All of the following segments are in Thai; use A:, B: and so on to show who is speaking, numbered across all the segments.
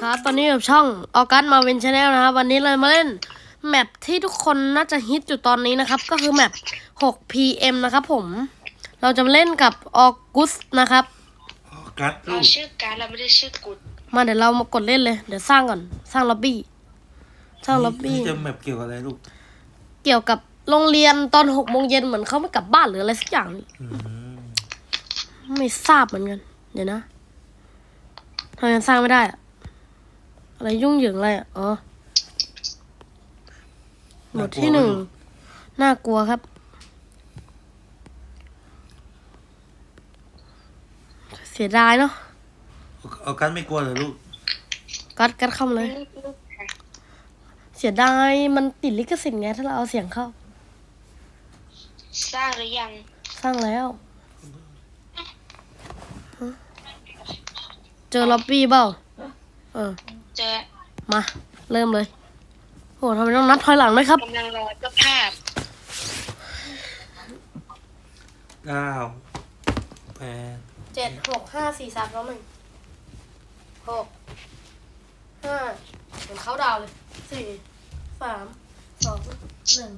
A: ครับตอนนี้กับช่องออกัสมาเวนชาแนลนะครับวันนี้เรามาเล่นแมปที่ทุกคนน่าจะฮิตอยู่ตอนนี้นะครับก็คือแมป 6PM นะครับผมเราจะมาเล่นกับออกุสนะครับ
B: ออกัส
C: เราชื่อการเราไม่ได้ชื่อกุด
A: มาเดี๋ยวเรามากดเล่นเลยเดี๋ยวสร้างก่อนสร้างล็อบบี้
B: นี่จะแมปเกี่ยวกับอะไรลูก
A: เกี่ยวกับโรงเรียนตอน6 โมงเย็นเหมือนเขาไม่กลับบ้านหรืออะไรสักอย่างไม่ทราบเหมือนกันเดี๋ยวนะทำไมสร้างไม่ได้อะอะไรยุ่งเหยิงอะไรอ่ะอ๋อหมวดที่ 1น่ากลัวครับเสียดายเนาะ
B: ออกัสไม่กลัวเหรอลูก
A: กัดเข้ามาเลยเสียดายมันติดลิขสิทธิ์ไงถ้าเราเอาเสียงเข้า
C: สร้างหรือยัง
A: สร้างแล้วเจอล็อบบี้เปล่า
C: เจอ
A: มาเริ่มเลยโหทำไมต้องนับถอยหลังด้วยครับ
C: กำลังรอเจ้าภาพ
B: 9 8
A: 7 6 5 4 3 2 1 6 5เหมือนเขาดาวเลย4 3 2 1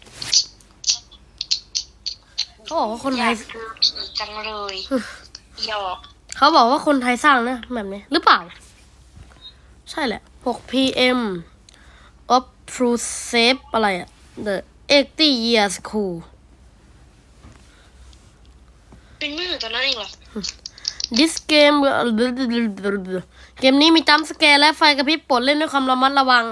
A: เขาบอกว่าคนไทย
C: จังเลยหยอก
A: เขาบอกว่าคนไทยสร้างนะแบบนี้หรือเปล่าใช่แหละ 6PM of True Safe อะไรอะ The 80 Years School
C: เป็นมือตอนนั้นเองเหรอ
A: This game เกมนี้มีจัมป์สแกร์และไฟกระพริบโปรดเล่นด้วยความระมัดระวัง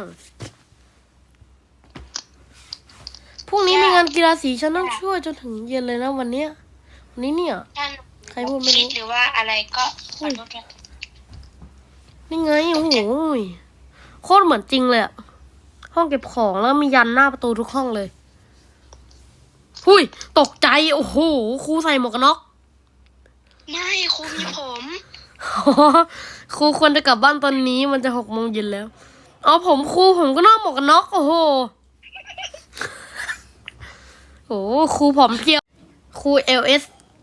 A: พรุ่งนี้มีงานกีฬาสีฉันต้องช่วยจนถึงเย็นเลยนะวันนี้เนี่ยใครพูดไม่รู้
C: หรือว่าอะไรก็ขอโทษด้วย
A: นี่ไงโอ้โหโคตรเหมือนจริงเลยอะห้องเก็บของแล้วมียันหน้าประตูทุกห้องเลยหุยตกใจโอ้โหครูใส่หมวกกันน็อก
C: ไม่ครูมีผม
A: ครูควรจะกลับบ้านตอนนี้มันจะ6 โมงเย็นแล้วเอาผมครูผมก็นอกหมวกกันน็อกโอ้โหโอ้ครูผอมเพรียวครู LS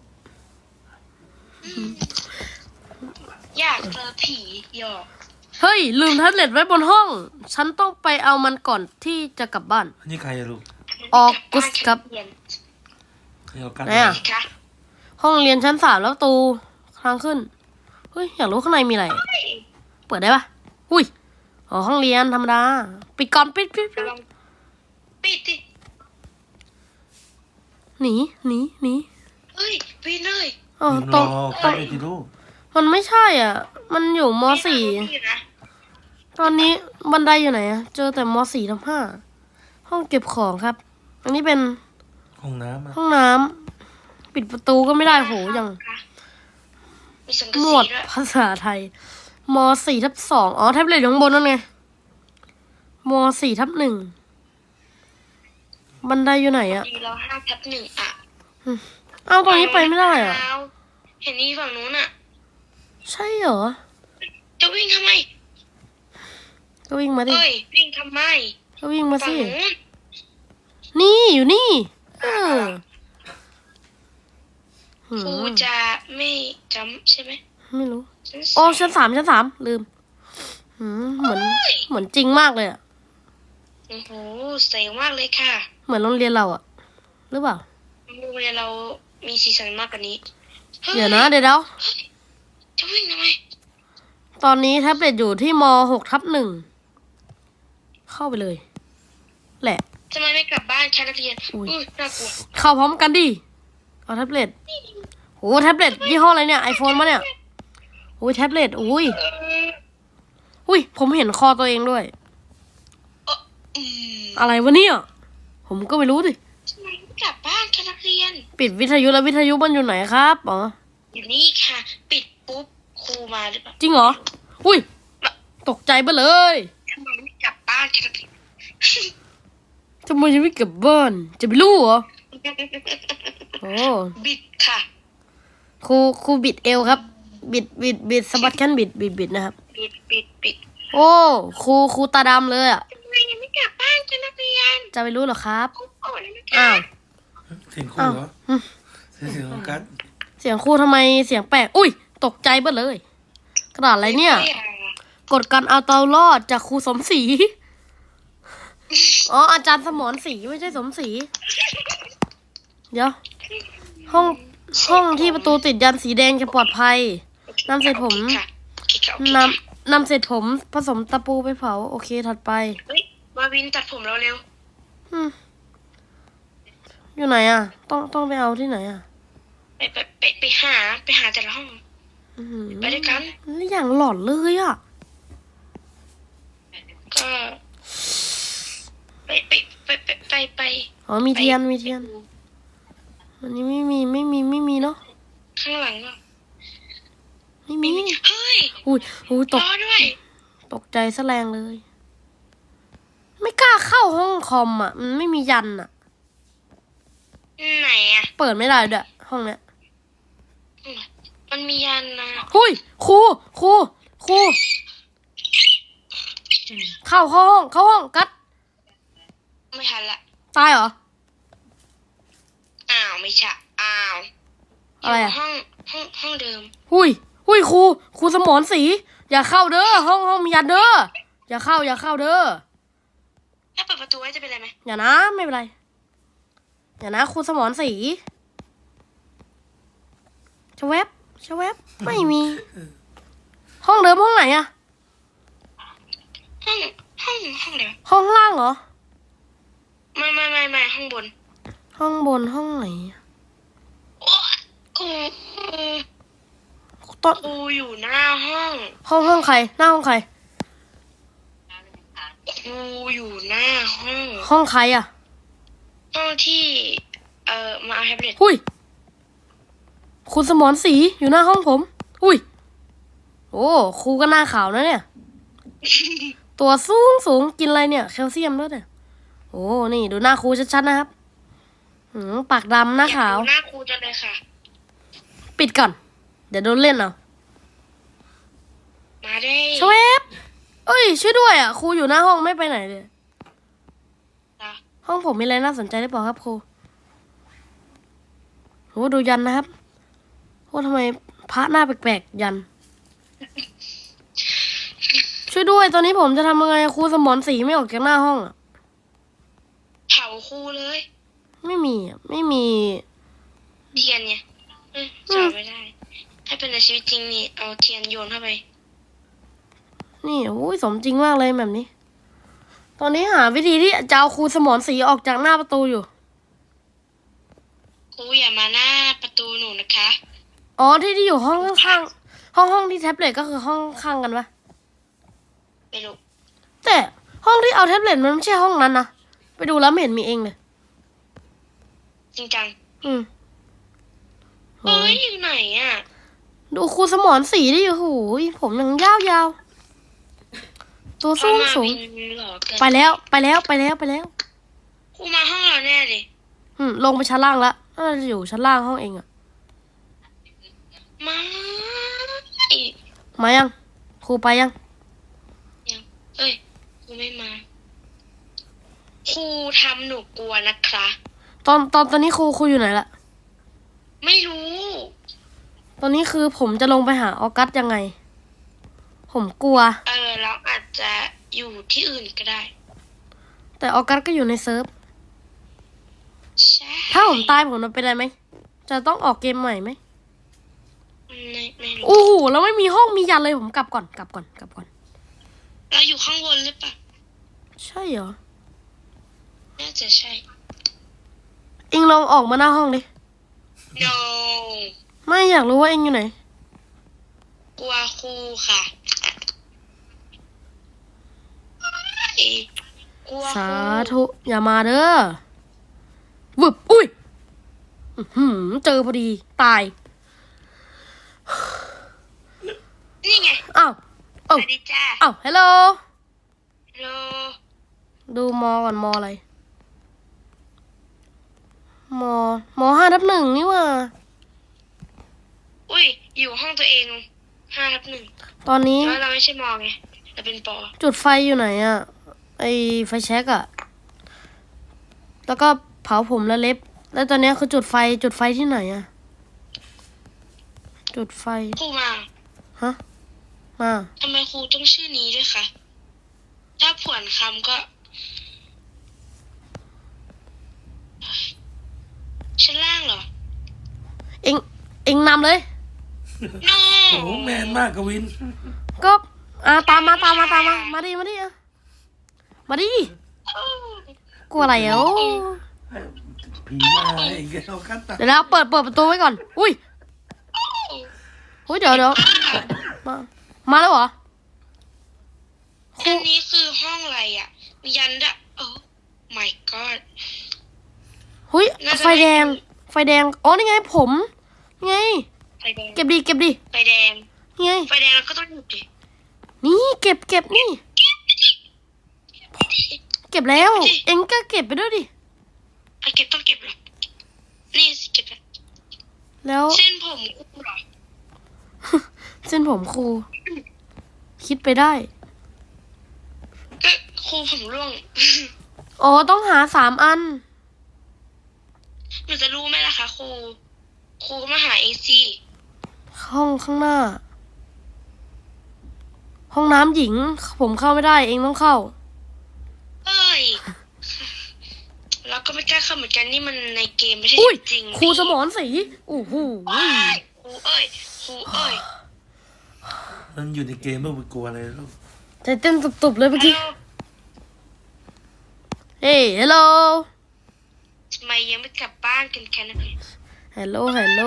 C: อยากเจอผีหยอก
A: เฮ้ยลืมแท็บเล็ตไว้บนห้องฉันต้องไปเอามันก่อนที่จะกลับบ้าน
B: อันนี้ใครอะลูก
A: ออกุสครับ
B: ใครออกัส
A: เนี่ยห้องเรียนชั้น 3แล้วประตูทางขึ้นเฮ้ยอยากรู้ข้างในมีอะไรเปิดได้ปะอุ้ยอ๋อห้องเรียนธรรมดาปิดก่อนปิด
C: ปิดดิ
A: หนี
C: เฮ้ยปิดเลย
A: อ๋อ
B: ตรงไปที่ลูก
A: มันไม่ใช่อ่ะมันอยู่ม.4ตอนนี้บันไดอยู่ไหนอะเจอแต่ม.4/5ห้องเก็บของครับอันนี้เป็น
B: ห้อง
A: น้ำปิดประตูก็ไม่ได้โหอย่างหมวดภาษาไทยม.4/2อ๋อแท็บเล็ตอยู่ข้างบนนั่นไงม.4/1บันไดอยู่ไหนอะ
C: เรา5/1อะ
A: เอาตรงนี้ไปไม่ได้อะ
C: เห็นนี่ฝั่งนู้นอะ
A: ใช่เหรอ
C: จะวิ่งทำไม
A: ก็วิ่งมาดิ
C: วิ่งทำไม
A: ก็วิ่งมาสินี่อยู่นี่
C: ครูจะไม่จำใช่ไหม
A: ไม่รู้โอ้ชั้น 3ลืมเหมือนจริงมากเลยอ่ะ
C: โอ้โหเสียงมากเลยค่ะ
A: เหมือนโรงเรียนเราอ่ะหรือเปล่า
C: โรงเรียนเรามีสีสันมากกว่านี้
A: เดี๋ยวนะเดี๋ยว
C: จะวิ่งทำไม
A: ตอนนี้แท็บเล็ตอยู่ที่ม.6/1เข้าไปเลยแหละ
C: ทำไมไม่กลับบ้านแค่นักเรียนน่ากลัว
A: เข้าพร้อมกันดิเอาแท็บเล็ตโอ้แท็บเล็ตยี่ห้ออะไรเนี่ย iPhone มาเนี่ยโอ้ยแท็บเล็ตอุ้ยผมเห็นคอตัวเองด้วยอะไรวะเนี่ยผมก็ไม่รู้ดิ
C: ทำไมไม่กลับบ้านแค่นักเรียน
A: ปิดวิทยุแล้ววิทยุมันอยู่ไหนครับอ๋อ
C: อยู่นี่ค่ะปิดปุ๊บครูมาหรือเปล่า
A: จริงเหรออุ้ยตกใจไปเลย
C: ทำไมไม่กลับบ้านแค่นักเรียน
A: ทำไมจะไม่กลับบ้านจะไปรู้เหรอโอ้
C: บิดค่ะ
A: ครูบิดเอวครับบิดสะบัดแขนบิดนะครับ
C: บิด
A: โอ้ครูตาดำเลยอ่ะ
C: ทำไมยังไม่กลับบ้านแค่นักเรียน
A: จะไปรู้เหรอครับ
C: อ้าว
B: เสียงครูเหรอเสียงออกัส
A: เสียงครูทำไมเสียงแปลกอุ้ยตกใจไปเลยกระดาษอะไรเนี่ยกฎการเอาตัวรอดจากครูสมศรี อ๋ออาจารย์สมรศรีไม่ใช่สมศรี เดี๋ยว ห้องที่ประตูติดยันสีแดงจะปลอดภัย นำเศษผม
C: ค่ะโอเคค่ะโอเคค่ะ
A: นำเศษผมผสมตะปูไปเผา โอเคถัดไป
C: เฮ้ยมาวินตัดผมเราเร็ว
A: อืมอยู่ไหนอ่ะ ต้องไปเอาที่ไหนอ่ะ
C: ไปหาแต่ละห้อง
A: อื้อหือ
C: ไปด้วยกัน
A: นี่อย่างหลอนเลยอ่ะ
C: ก็ไป
A: อ๋อมีเทียนมีเทียน อันนี้ไม่มีเนาะ
C: ข้างหลังก็
A: ไม่มี
C: เฮ้ย
A: อุ้ยต
C: ร
A: ก
C: อด้วย
A: ตกใจซะแรงเลย ไม่กล้าเข้าห้องคอมอ่ะ มันไม่มียันอ่ะ
C: ไหนอ่ะ
A: เปิดไม่ได้ด้วยห้องเนี้ย
C: มันมียันนะ
A: หุยครูเข้าห้องกัด
C: ไม่ทันละ
A: ตายเหรอ
C: อ้าวไม่ใช่อ้าว
A: อะไรอ่ะ
C: ห้องเดิม
A: หุยครูสมรศรีอย่าเข้าเด้อห้องมียันเด้ออย่าเข้าเด้อ
C: ถ้าเปิดประตูไว้จะเป็นไรไหม
A: อย่านะไม่เป็นไรอย่านะครูสมรศรีชะแวบไม่มี ห้องเดิมห้องไหนอะ
C: ห้องเดิม
A: ห้องล่างเหรอ
C: ไม่ห้องบน
A: ห้องบนห้องไหนอะ
C: โอ้ครู
A: ต้น
C: ครูอยู่หน้าห้อง
A: ห้องใครหน้าห้องใคร
C: ครูอยู่หน้าห้อง
A: ห้องใครอะ
C: ห้องที่มาเอาแท็บเล็ต
A: หุยคุณสมรศรีอยู่หน้าห้องผมหุยโอ้ครูก็หน้าขาวนะเนี่ย ตัวสูงกินอะไรเนี่ยแคลเซียมด้วยเนี่ยโอ้นี่ดูหน้าครูชัดๆนะครับปากดำหน้าขาว
C: อยกดูหน้าครูจังเลยค่ะ
A: ปิดก่อน เดี๋ยวโดนเล่นเอา
C: มาได้
A: ชเวฟเอ้ยช่วยด้วยอ่ะครูอยู่หน้าห้องไม่ไปไหนเลย
C: จ้ะ
A: ห้องผมมีอะไรน่าสนใจหรือเปล่าครับครูโหดูยันนะครับโอ้ทำไมพระหน้าแปลกๆยัน ช่วยด้วยตอนนี้ผมจะทำยังไงครูสมรศรีไม่ออกจากหน้าห้องอ่ะ
C: เผาครูเลย
A: ไม่มีอ่ะไม่มี
C: เทียนเนี่ยจอดไม่ได้ ถ้าเป็นในชีวิตจริงนี่เอาเทียนโยนเข้าไป
A: นี่โอ้ยสมจริงมากเลยแบบนี้ ตอนนี้หาวิธีที่จะเอาครูสมรศรีออกจากหน้าประตูอยู่
C: ครูอย่ามาหน้าประตูหนูนะคะ
A: อ๋อที่อยู่ห้องข้างๆห้องที่แท็บเล็ตก็คือห้องข้างกันปะ
C: ไม่รู้
A: แต่ห้องที่เอาแท็บเล็ตมันไม่ใช่ห้องนั้นนะไปดูแล้วไม่เห็นมีเองเลย
C: จริงจัง
A: โห
C: เอ้ยอยู่ไหนอ่ะ
A: ดูครูสมรศรีดิโอ้โหผมยังยาวตัวสูง
C: เอามาวินเหรอเกิน
A: ไปแล้ว
C: ครูมาห้องเราแน่เลย
A: ลงไปชั้นล่างละน่าจะอยู่ชั้นล่างห้องเองอะ
C: มา
A: มายังครูไปยัง
C: ยังเอ้ยครูไม่มาครูทำหนูกลัวนะคะ
A: ตอนนี้ครูอยู่ไหนละ
C: ไม่รู้
A: ตอนนี้คือผมจะลงไปหาออกัสยังไง ผมกลัว
C: เราอาจจะอยู่ที่อื่นก็ได้
A: แต่ออกัสก็อยู่ในเซิร์ฟ
C: ใช่
A: ถ้าผมตายผมจะเป็นอะไรไหมจะต้องออกเกมใหม่ไหม
C: ไม่รู้
A: โอ้โหแล้วไม่มีห้องมียันเลยผมกลับก่อน
C: เราอยู่ข้างบนหรือเปล่า
A: ใช่เหรอ
C: น่าจะใช่
A: เอ็งลองออกมาหน้าห้องดิ
C: no
A: ไม่อยากรู้ว่าเอ็งอยู่ไหน
C: กลัวครูค่ะกลัวค
A: สา
C: รู
A: ธุอย่ามาเด้อวึบอุ้ยเจอพอดีตาย
C: นี่ไง
A: อ้าว
C: สวัสดีจ้า
A: อ้าวฮัลโหล
C: ฮัลโหล
A: ดูมอก่อนมออะไรม5/1นี่หว่า
C: อุ้ยอยู่ห้องตัวเอง5/1
A: ตอนนี้
C: แล้วเราไม่ใช่มองไงเราเป็นปอ
A: จุดไฟอยู่ไหนอะไอไฟแช็กอะแล้วก็เผาผมและเล็บ แล้วตอนนี้คือจุดไฟที่ไหนอะจุดไฟ
C: ครูมา
A: ฮะมา
C: ทำไมครูต้องชื่อนี้ด้วยคะถ้าผวนคำก็ชั้นล่างเหรอ
A: เองเองนำเลย
C: no
B: โอ้โหแมนมากกวิน
A: ก็ตามมามาดิอ่ะมาดิกลัวอะไรอ่ะโอ้
B: ผีมาเองแกเอาคัตตา
A: เดี๋ยวเราเปิดประตูไว้ก่อน อุ้ยเดี๋ยวมาแล้วเหรอ
C: อันนี้คือห้องอะไรอ่ะ มียันดะโอ้ my god
A: หุ้ย
C: น่าจะ
A: ไฟแดงอ๋อนี่ไงผมนี่ไง
C: ไฟแดง
A: เก็บดิ
C: ไฟแดง
A: นี่ไง
C: ไฟแดงเราก็ต้องหยุดดิ
A: นี่เก็บนี่ เก็บแล้ว เอ็งก็เก็บไปด้วยดิ
C: อ่ะเก็บต้องเก็บเหรอนี่สิเก็บแล้ว
A: แล้ว
C: เส้นผมกูเหรอ
A: เส้นผมครู คิดไปได้
C: ก็ครูผมร่วง
A: อ๋อต้องหา3 อัน
C: หนูจะรู้ไหมล่ะคะครูก็มาหาเองสิ
A: ห้องข้างหน้า ห้องน้ำหญิง ผมเข้าไม่ได้ เองต้องเข้า
C: เอ้ยเราก็ไม่กล้าเข้าเหมือนกันนี่มันในเกมไม่ใช่
A: อุ้ย
C: จริง
A: ครูสมรศรีโอ้โห
C: ครูเอ้ยครูเอ้ย
B: มันอยู่ในเกมไม่ไปกลัวอะไรลูก
A: ใจเต้นตุบๆเลยเมื่อกี้ เฮ้ยฮัลโหล
C: ทำไมยังไม่กลับบ้านกันแค่นั้นเลย
A: ฮัลโหลช
C: อยาก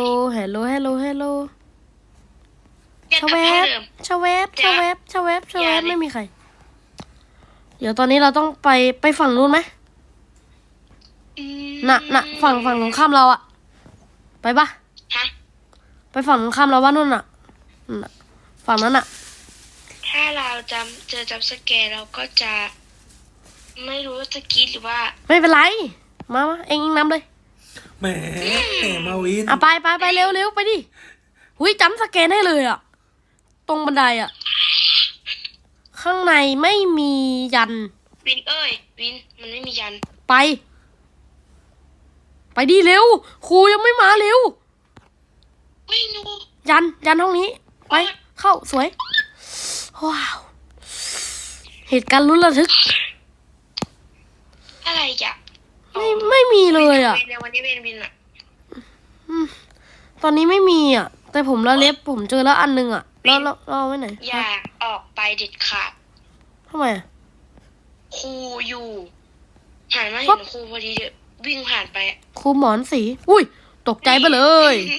C: กลับ
A: แว
C: บ้าน
A: บ
C: เดิม
A: ชะแวบ
C: อย่าเลย
A: ไม่มีใคร เดี๋ยวตอนนี้เราต้องไปฝั่งนู้นไหม
C: อืม
A: น่ะฝั่งตรงข้ามเราอะไปปะ
C: ฮะ
A: ไปฝั่งตรงข้ามเราว่านู่นน่ะฝั่งนั้นอะ
C: ถ้าเราเจอจับสแกร์เราก็จะ ไม่รู้ว่าจะกรีดหรือว่า
A: ไม่เป็นไรมาเองนำเลย
B: แหมมาวิน
A: ไปเร็วไปดิหุยจำสแกนให้เลยอะตรงบันไดอะข้างในไม่มียัน
C: วินเอ้ยวินมันไม่มียัน
A: ไปดิเร็วครูยังไม่มาเร็ว
C: เฮ้ยหนู
A: ยันห้องนี้ ไปเข้าสวยว้าวเหตุการณ์ลุ้นระทึก
C: อะไรอ่ะ
A: ไม่มีเลยอ่ะ
C: วินในวันนี้วินอ่ะ
A: ตอนนี้ไม่มีอ่ะ แต่ผมละเล็บผมเจอแล้วอันนึงอ่ะแล้วเอาไว้ไหน
C: อย่าออกไปเด็ดขาด
A: ทำไมอ่ะ
C: ครูอยู่หันมาเห็นครูพอดีเดี๋ยววิ่งผ่านไปอะ
A: ครูหมอนสีอุ้ยตกใจไปเลย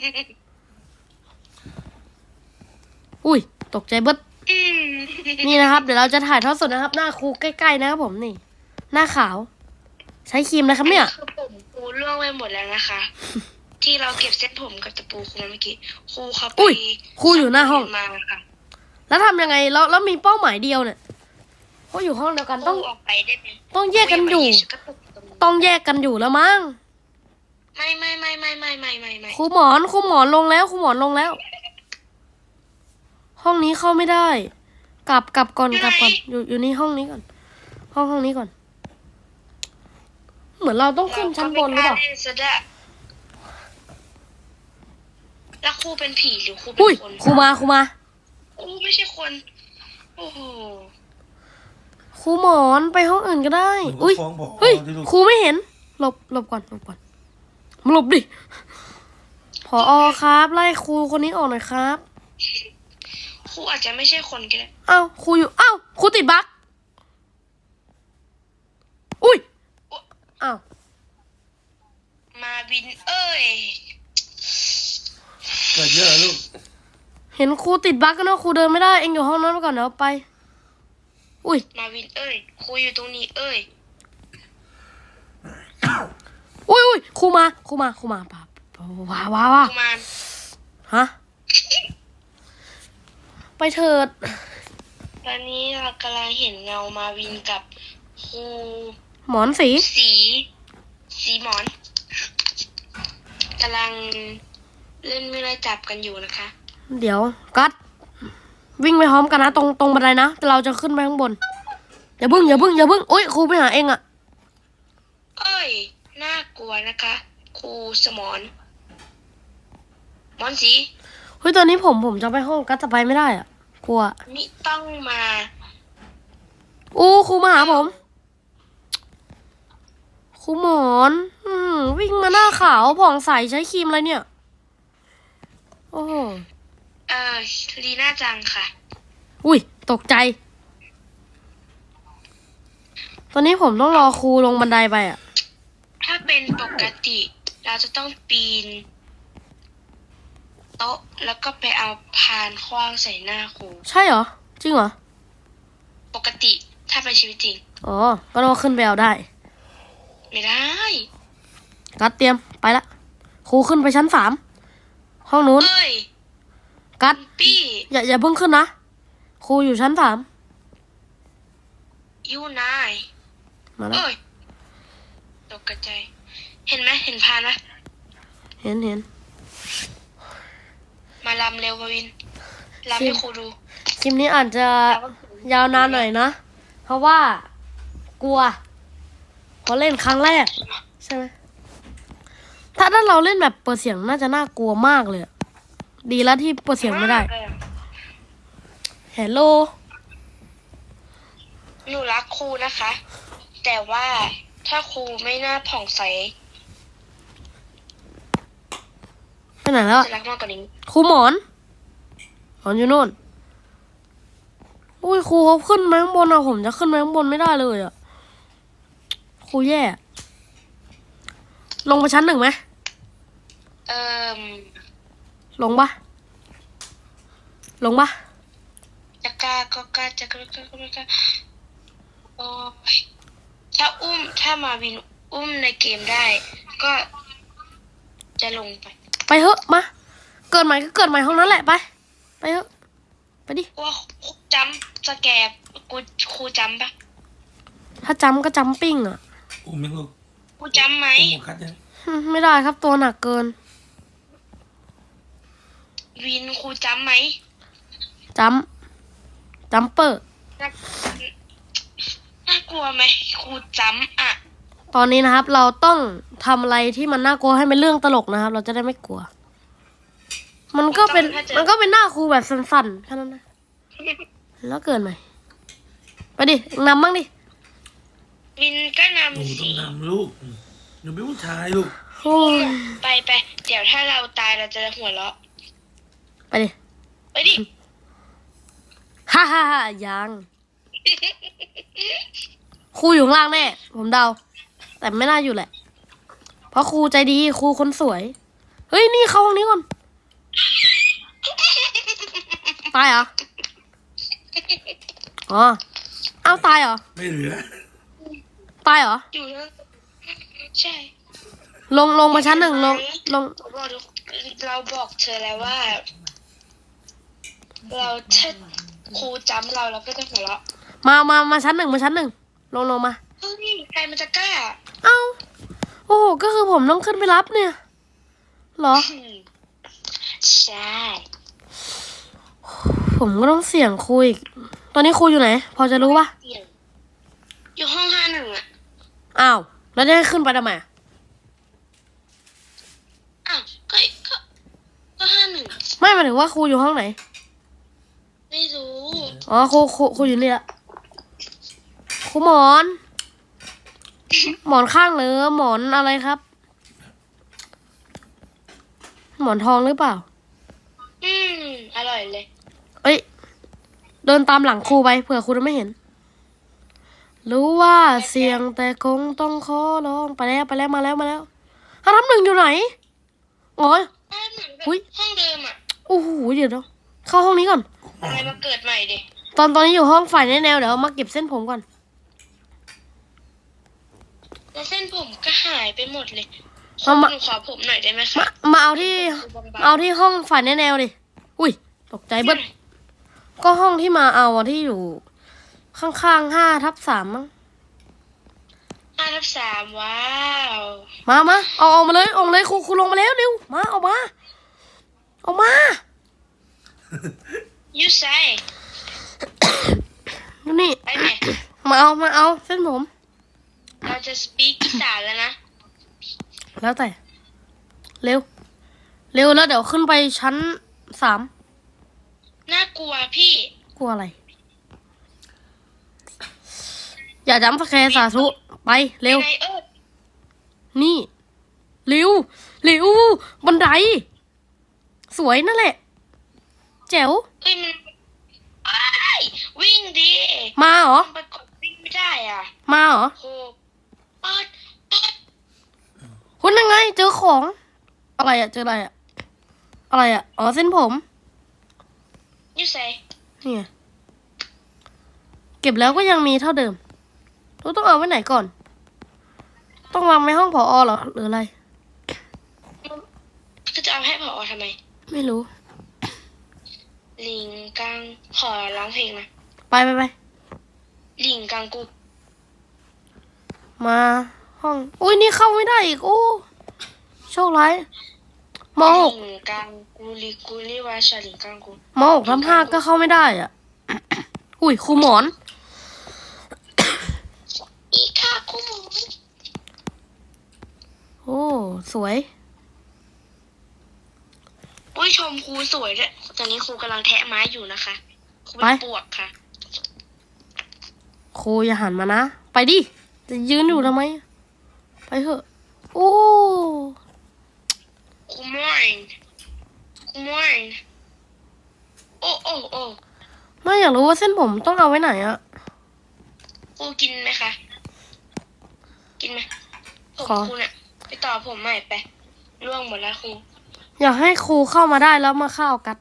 A: อุ้ยตกใจเบิด
C: อืม
A: นี่นะครับ เดี๋ยวเราจะถ่ายทอดสดนะครับ หน้าครูใกล้ๆนะครับผมนี่ หน้าขาว ใช้ครีมนะครับเนี่ย
C: คือผมครูล่วงไปหมดแล้วนะคะ ที่เราเก็บเส้นผมกับตะปูครูมาเมื่อกี้ครูเขาไป
A: อุ้ยครูอยู่หน้าห้อง
C: มาค่ะ
A: แล้วทำยังไงแล้วมีเป้าหมายเดียวเนี่ยเพราะอยู่ห้องเดียวกัน
C: ค
A: ต้
C: รู
A: อง
C: ออกไปได้ไหม
A: ต้องแยกกันอยู่
C: ครูามาฉัก็ตกตรงนี้
A: ต้องแยกกันอยู่แล้วมั้ง
C: ไม่
A: ครูหมอนลงแล้วครูหมอนลงแล้ว ห้องนี้เข้าไม่ได้ กลับก่อนอยู่นี่ห้องนี้ก่อนห้องนี้ก่อน เหมือนเราต้องขึ้นชั้นบนหรือเปล่า
C: ไม่กล้เล่นซะด้วยแล้วครูเป็นผีหรือครูเป็
A: อุ้ย
C: นคน
A: ครูมา
C: ครูไม่ใช่คน โอ้โห
A: ครูหมอนไปห้องอื่นก็ได้
B: หนู
A: อุ้ย
B: ฟ้องบอก
A: เฮ้ย
B: ที่ลูก
A: ครูไม่เห็นหลบก่อนหลบดิผอครับไล่ครูคนนี้ออกหน่อยครับ
C: ครูอาจจะไม่ใช่คนก็ได้
A: อ้าวครูอยู่อ้าวครูติดบั๊กอุ้ยอ้าว
C: มาวินเอ้ย
B: เกิดเยอะลูก
A: เห็นครูติดบั๊กกันเนอะครูเดินไม่ได้เองอยู่ห้องนั้นไปก่อนเดี๋ยวไป อุ้ย
C: มาวินเอ้ยครูอยู่ตรงนี้เอ้ย
A: อุ้ยครูมาป่ะว้า
C: กุมาร
A: ฮะไปเถิด
C: ตอนนี้เรากำลังเห็นเงามาวินกับครู
A: หมอนสี
C: สีหมอนกำลังเล่นไม่ได้จับกันอยู่นะคะ
A: เดี๋ยวกัดวิ่งไปพร้อมกันนะตรงบันไดนะแต่เราจะขึ้นไปข้างบนอย่าบึ้งอุ้ยครูไปหาเองอะ
C: เอ้ยน่ากลัวนะคะครูสมอนหมอนสี
A: เฮ้ยตอนนี้ผมจะไปห้องกัดจะไปไม่ได้อะกลัว
C: มิต้องมา
A: อู้ครูมาหาผมครูหมอนวิ่งมาหน้าขาวผ่องใสใช้ครีมอะไรเนี่ย โอ้โห
C: ลีน่าจังค่ะ
A: อุ้ยตกใจ ตอนนี้ผมต้องรอครูลงบันไดไปอ่ะ
C: ถ้าเป็นปกติเราจะต้องปีนโต๊ะแล้วก็ไปเอาพานขว้างใส่หน้าครู
A: ใช่เหรอ จริงเหรอ
C: ปกติถ้าเป็นชีวิตจริง
A: อ๋อ ก็ต้องขึ้นไปเอาได้
C: ไม่ได้
A: กัดเตรียมไปละครูขึ้นไปชั้น 3 ห้องนู้น
C: เอ้ย
A: กัด
C: ปี้
A: อย่าเพิ่งขึ้นนะครูอยู่ชั้น
C: ยูนาย
A: 3มาแล้ว
C: เอ้ยตกใจเห็นไหมเห็นพานไหม
A: เห็น
C: มาลำเร็วมาวินลำให้ครูดู
A: คลิปนี้อาจจะยาวนานหน่อยนะ เพราะว่ากลัวเพราะเล่นครั้งแรก ใช่ไหมถ้าเราเล่นแบบเปิดเสียงน่าจะน่ากลัวมากเลยอะดีแล้วที่เปิดเสียงไม่ได้เฮลโล
C: หนูรักครูนะคะ แต่ว่าถ้าครูไม่น่าผ่องใส
A: ไปไหนแล้ว
C: จะรักมากกว่านี้
A: ครูหมอนอยู่โน่นอุ้ยครูเขาขึ้นมาข้างบนอะผมจะขึ้นมาข้างบนไม่ได้เลยอะครูแย่ลงไปชั้น 1ไหม
C: เอ่ม
A: ลงปะ
C: จะกล้าก็กล้าจะกล้าก็ไม่กล้าโอ้ยถ้ามาวินอุ้มในเกมได้ ก็จะลงไป
A: ไปเถอะมาเกิดใหม่ก็เกิดใหม่ห้องนั้นแหละไปเถอะไปดิ
C: ว่าครูจำสแกบครูจำปะ
A: ถ้าจำก็จำปิ้งอะ
B: อุ้มยังลูก
C: ครูจำไหม
B: อุ้มกัดยัง
A: ไม่ได้ครับตัวหนักเกิน
C: วินครูจำไหม
A: จำเปอร์
C: น่ากลัวไหมครูจำอ่ะ
A: ตอนนี้นะครับ เราต้องทำอะไรที่มันน่ากลัวให้เป็นเรื่องตลกนะครับ เราจะได้ไม่กลัว มันก็เป็นหน้าครูแบบสั่นๆแค่นั้นนะแล้วเกินไหมไปดินำบ้างดิ
C: วินก็
B: หนู
C: นำ
B: ต้อ
C: สิ
B: งนำลูกหนูเป็นผู้ชายลูก
A: โอ้ย
C: ไปเดี๋ยวถ้าเราตายเราจะหัวเราะ
A: ไปดิ
C: ไปดิ
A: ฮ่ายังครูอยู่ข้างล่างแน่ผมเดา แต่ไม่น่าอยู่แหละ เพราะครูใจดีครูคนสวย เฮ้ยนี่เข้าห้องนี้ก่อนตายเหรออ๋อเอาตายเหรอ
B: ไม่เหลือ
A: ตายเหรอ
C: อยู่แล้วใช่
A: ลงมาชั้น 1ลง
C: เราบอกเธอแล้วว่า เราถ้าครูจำเราก็จะหัวเราะ
A: มาชั้น 1มาชั้น 1ลงมา
C: เฮ้ยใครมันจะกล้า
A: เอ้าโอ้โหก็คือผมต้องขึ้นไปรับเนี่ยเหรอ
C: ใช่
A: ผมก็ต้องเสี่ยงครูอีกตอนนี้ครูอยู่ไหน พอจะรู้ปะ
C: อยู่ห้อง51อ่ะ
A: อ้าวแล้วจะให้ขึ้นไปทำไมอะ
C: อ้าวก็51
A: ไม่หมายถึงว่าครูอยู่ห้องไหน
C: ไม่รู้
A: อ๋อครูอยู่นี่ละครูหมอน หมอนข้างหรือหมอนอะไรครับ หมอนทองหรือเปล่า
C: อร่อยเลย
A: เอ้ยเดินตามหลังครูไปเผื่อครูจะไม่เห็น รู้ว่าเสียงแต่คงต้องขอร้องไปแล้วมาแล้วถ้าทำ1อยู่ไหนอ๋อ
C: เหมือนกับ
A: อุ๊ย
C: ห้องเดิมอ่ะ
A: โอ้โหเดี๋ยวเข้าห้องนี้ก่อน
C: อะไรมาเกิดใหม่ดิ
A: ตอนนี้อยู่ห้องฝ่ายแนวเดี๋ยวมาเก็บเส้นผมก่อน
C: แล้วเส้นผมก็หายไปหมดเลย
A: เอามา
C: หนูขอผมหน่อยได้ไหมคะ
A: มาเอาที่ เอาที่ห้องฝ่ายแนวดิอุ้ยตกใจเบิ้ลก็ห้องที่มาเอาอะที่อยู่ ข้างๆ5/3มั้ง
C: 5/3ว้าว
A: มาเอาออกมาเลยครูลงมาแล้วเร็วมาเอามา
C: ยูไซ
A: ดูนี่
C: ไปไหม
A: มาเอาเส้นผม
C: เราจะสปีกอีสานแล้วนะ
A: แล้วแต่เร็วแล้วเดี๋ยวขึ้นไปชั้น 3
C: น่ากากลัวพี่
A: กลัวอะไร อย่าจำสแคร์สาธุไปเร็ว
C: ไง
A: นี่เร็วเร็วบันได สวยนั่นแหละ แจ๋ว
C: เอ้ยมันอ้ายวิ่งดี
A: มาเหรอ
C: มันไปกดวิ่งไม่ได้อ่ะ
A: มาเหรอ
C: โหเปิดเปิด
A: คุณยังไง เจอของ อะไรอะเจออะไรอะอะไรอะอ๋อเส้นผม
C: ยูใส่
A: นี่ไงเก็บแล้วก็ยังมีเท่าเดิมเราต้องเอาไว้ไหนก่อน ต้องวางไว้ห้องผอเหรอหรืออะไร
C: คือจะเอาให้ผอทำไม
A: ไม่รู้
C: ลิงกังขอร้องเพลงนะ
A: ไปไปไป
C: ลิงกังกู
A: มาห้อง อุ้ยนี่เข้าไม่ได้อีก โอ้ โชคร้ายมหก
C: ลิงกังกูลิกูลิวาชาลิงกังกู
A: มหกทับห้าก็เข้าไม่ได้อ่ะ อุ้ยครูหมอน
C: อีกค่ะกูหมู
A: โอ้ สวย
C: อุ้ยชมครูสวยด้วยตอนนี้ครูกำลังแทะไม้อยู่นะคะครูเป็น
A: ไป
C: ปวกค่ะ
A: ครูอย่าหันมานะ ไปดิ จะยืนอยู่ทำไม ไปเถอะ โอ้
C: ครูมอยครูมอยโอ้โอ้โอ้
A: ไม่อยากรู้ว่าเส้นผมต้องเอาไว้ไหนอะ
C: ครูกินไหมคะ กินไหมผม
A: ขอ
C: ครูน่ะไปต่อผมใหม่ไปร่วงหมดแล้วครู
A: อยากให้ครูเข้ามาได้แล้วมาเข้ากัด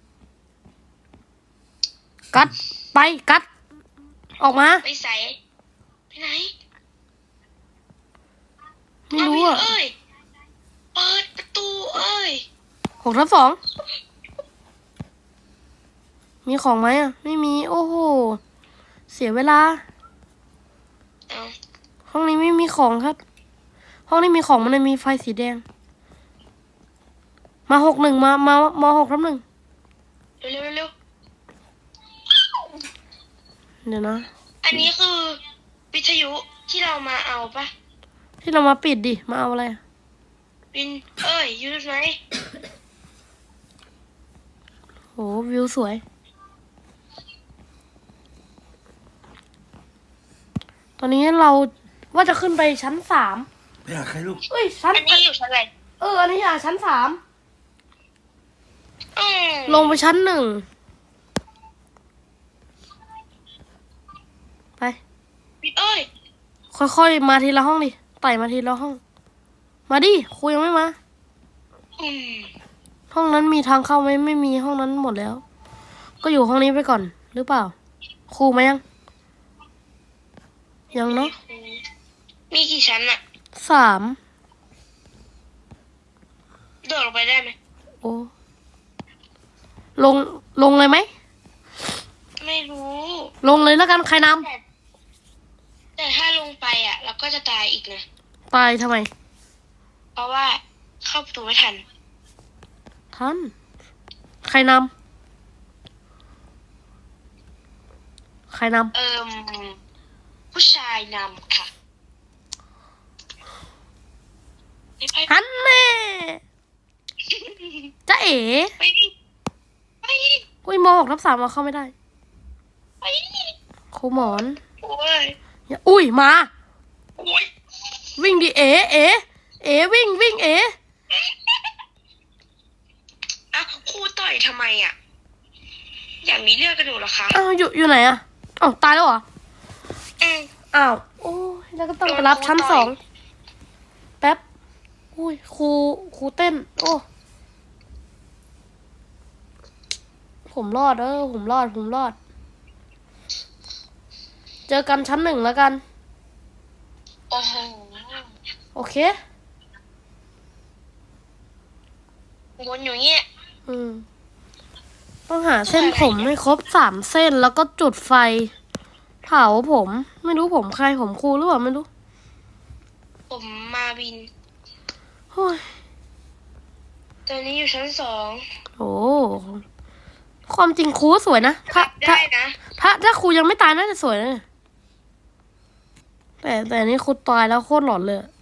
A: กัด ไปกัด ออกมา
C: ไปใส่ไปไหน
A: ไม่รู้
C: เา
A: อะ
C: ไปเอ้ยเปิดประตูเอ้ย
A: 6/2มีของไหมอะไม่มี โอ้โห เสียเวลา
C: เอา
A: ห้องนี้ไม่มีของครับ ห้องนี้มีของมันเลยมีไฟสีแดง มา61มา6/1
C: เร็วเร็วเร็ว
A: เดี๋ยวนะ
C: อันนี้คือวิทยุที่เรามาเอาปะ
A: ที่เรามาปิดดิ มาเอาอะไรอะ
C: วินเอ้ยอยูไหน
A: โหวิวสวย ตอนนี้เราว่าจะขึ้นไปชั้น3
B: ไปหาใครลูก
A: เอ้ยชั้น
C: อันนี้อยู่ชั้นอะไร
A: อันนี้อ่ะชั้น3
C: อืม
A: ลงไปชั้น1ไป
C: วินเอ้ย
A: ค่อยๆมาทีละห้องดิไต่มาทีละห้อง มาดิครูยังไม่มา
C: อืม
A: ห้องนั้นมีทางเข้าไหมไม่มีห้องนั้นหมดแล้ว ก็อยู่ห้องนี้ไปก่อน หรือเปล่า ครูมายัง ยังเนาะ
C: มีกี่ชั้นอะ
A: 3
C: โดดลงไปได้ไหม
A: โอ้ลงเลยไหม
C: ไม่รู้
A: ลงเลยแล้วกันใครน
C: แต่ถ้าลงไปอะเราก็จะตายอีกนะ
A: ำตายทำไม
C: เพราะว่าเข้าประตูไม่ทัน
A: ท่านใครนำใครน
C: ผู้ชายนำค่ะไปไป
A: ำฮันแน่จ๊ะเอ๋
C: ไปดิไปดิ
A: อุ้ยม6/3มาเข้าไม่ได้
C: ไปดิ
A: ครูหมอน
C: โอ้ย
A: อุ้ยมา
C: โอ้ย
A: วิ่งดิเอ๋วิ่งเอ๋
C: อ่ะครูต่อยทำไมอะอยากมีเรื่องกันหนูเหรอคะ
A: อ้าวอยู่ไหนอะอ้าวตายแล้วเหรอ
C: อืม
A: อ้าวโอ้ยแล้วก็ต้องไปรับชั้น
C: โดนครูต่อย
A: 2แป๊บอุ้ยครูเต้น โอ้ผมรอดผมรอด เจอกันชั้น 1แล้วกัน
C: โอ้โห
A: โอเค
C: วนอยู่เงี้ย
A: ต้องหาเส้นผมให้ครบ3 เส้นแล้วก็จุดไฟ เผาผม ไม่รู้ผมใครผมครูหรือเปล่าไม่รู้
C: ผมมาวิน
A: โอ้ย
C: ตอนนี้อยู่ชั้น
A: โอ้ความจริงครูก็สวยนะ
C: 2
A: ถ้า
C: ได้นะ
A: ถ้าครูยังไม่ตายน่าจะสวยนะ แต่อันนี่ครูตายแล้วโคตรหลอนเลยอะ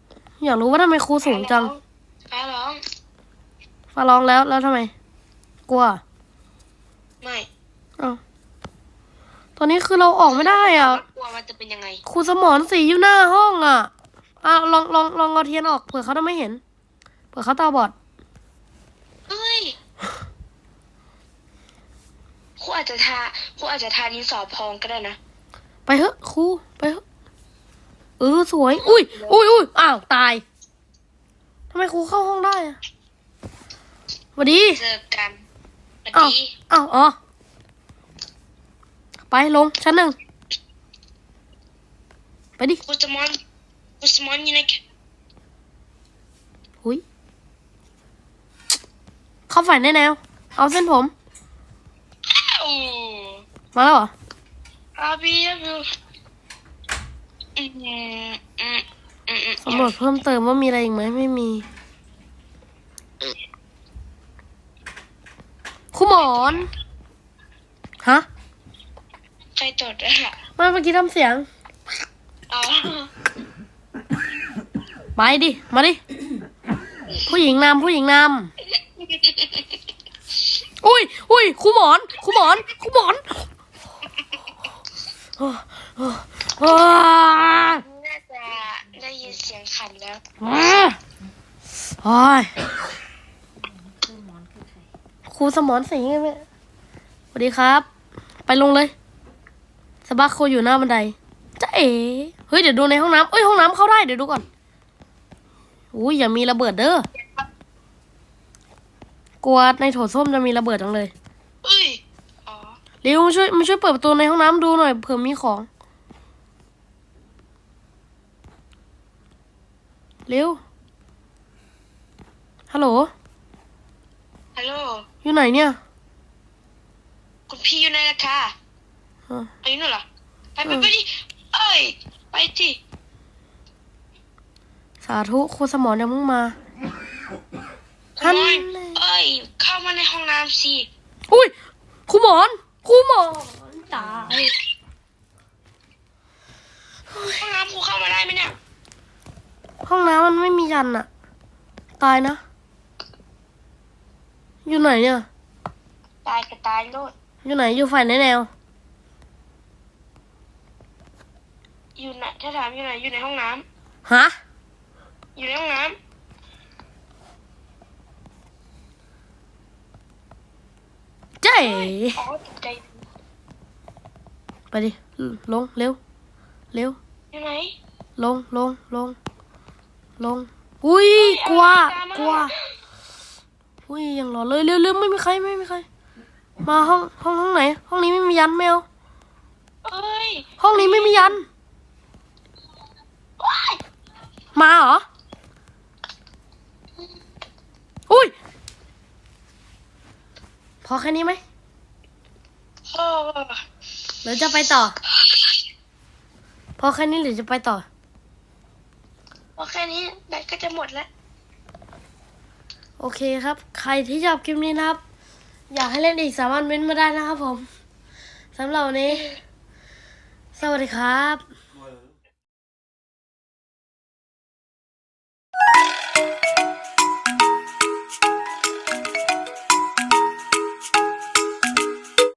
A: อยากรู้ว่าทำไมครูสูงจัง
C: ฟ้าร้อง
A: ฟ้าร้องแล้วทำไมกลัว
C: ไม่
A: อ้าวตอนนี้คือเราออกไม่ได้อ่ะ
C: กลัวมันจะเป็นยังไง
A: ครูสมรศรีอยู่หน้าห้องอ่ะลองเอาเทียนออกเผื่อเขาจะไม่เห็นเผื่อเขาตาบอด
C: เฮ้ยครูอาจจะทาดินสอพองก็ได้นะ
A: ไปเถอะครูไปเถอะสวย อุ้ยอ้าวตายทำไมครูเข้าห้องได้อะสวัสดี
C: เจอกันสวัส
A: อ้าว
C: ดี
A: อ๋อไปลงชั้นหนึ่งไปดิ
C: ครูสมอนอยู่ใน
A: หุยเข้าฝ่ายแน่แนวเอาเส้นผม
C: โอ้
A: มาแล้วเหรอ
C: อาบีอาบี
A: สำรวจเพิ่มเติมว่ามีอะไรอีกไหมไม่มีครูหมอนฮะ
C: ใครตดอะ
A: มาเมื่อกี้ทำเสียง
C: อ๋อ
A: ไปดิ มาดิ ผู้หญิงนำอุ้ยครูหมอน
C: น่าจะได้ยินเสียงขันแล้ว
A: โอ้ยครูสมรศรีไงแม่สวัสดีครับ ไปลงเลยสบักโคอยู่หน้าบันไดจ๊ะเอ๋เฮ้ยเดี๋ยวดูในห้องน้ำห้องน้ำเข้าได้เดี๋ยวดูก่อนอุ้ยอย่ามีระเบิดเด้อกลัวในโถส้วมจะมีระเบิดจังเลย
C: เอ้ยอ๋อ
A: เร็วมาช่วยเปิดประตูในห้องน้ำดูหน่อยเผื่อมีของเร็วฮัลโหล
C: ฮัลโหล
A: อยู่ไหนเนี่ย
C: คุณพี่อยู่ไหนล่ะคะ
A: อ่ะ
C: อายุนู่นเหรอไปดิเอ้ยไปดิ
A: สาธุครูสมรยังเพิ่งมา
C: คุณมอนเอ้ยเข้ามาในห้องน้ำสิ
A: อุ้ยครูหมอนตาย
C: ห้องน้ำครูเข้ามาได้ไหมเนี่ย
A: ห้องน้ำมันไม่มียันอะตายนะ อยู่ไหนเนี่ย
C: ตายก็ตายโลด
A: อยู่ไหนอยู่ฝ่ายไหนแนว
C: อยู่ไหนถ้าถามอยู่ไหนอยู่ในห้องน้
A: ฮะ
C: ำอยู่ในห้องน้
A: เจ๊
C: ำอ๋อตกใจ
A: ไปดิลงเร็ว
C: อยู่ไหน
A: ลงอุ้ยกลัวอุ้ยยังรอเลยเร็วไม่มีใครมาห้องไหน ห้องนี้ไม่มียันแมว
C: เอ้ย
A: ห้องนี้ไม่มียัน
C: ว้าย
A: มาเหรอ อุ้ย พอแค่นี้ไหม
C: โอ้
A: หรือจะไปต่อ พอแค่นี้หรือจะไปต่อ
C: โอเคนี้แบตก็จะหมดแล้ว
A: โอเคครับ ใครที่ชอบคลิปนี้นะครับ อยากให้เล่นอีกสามารถเม้นต์มาได้นะครับผมสำหรับวันนี้ สวัสดีครับ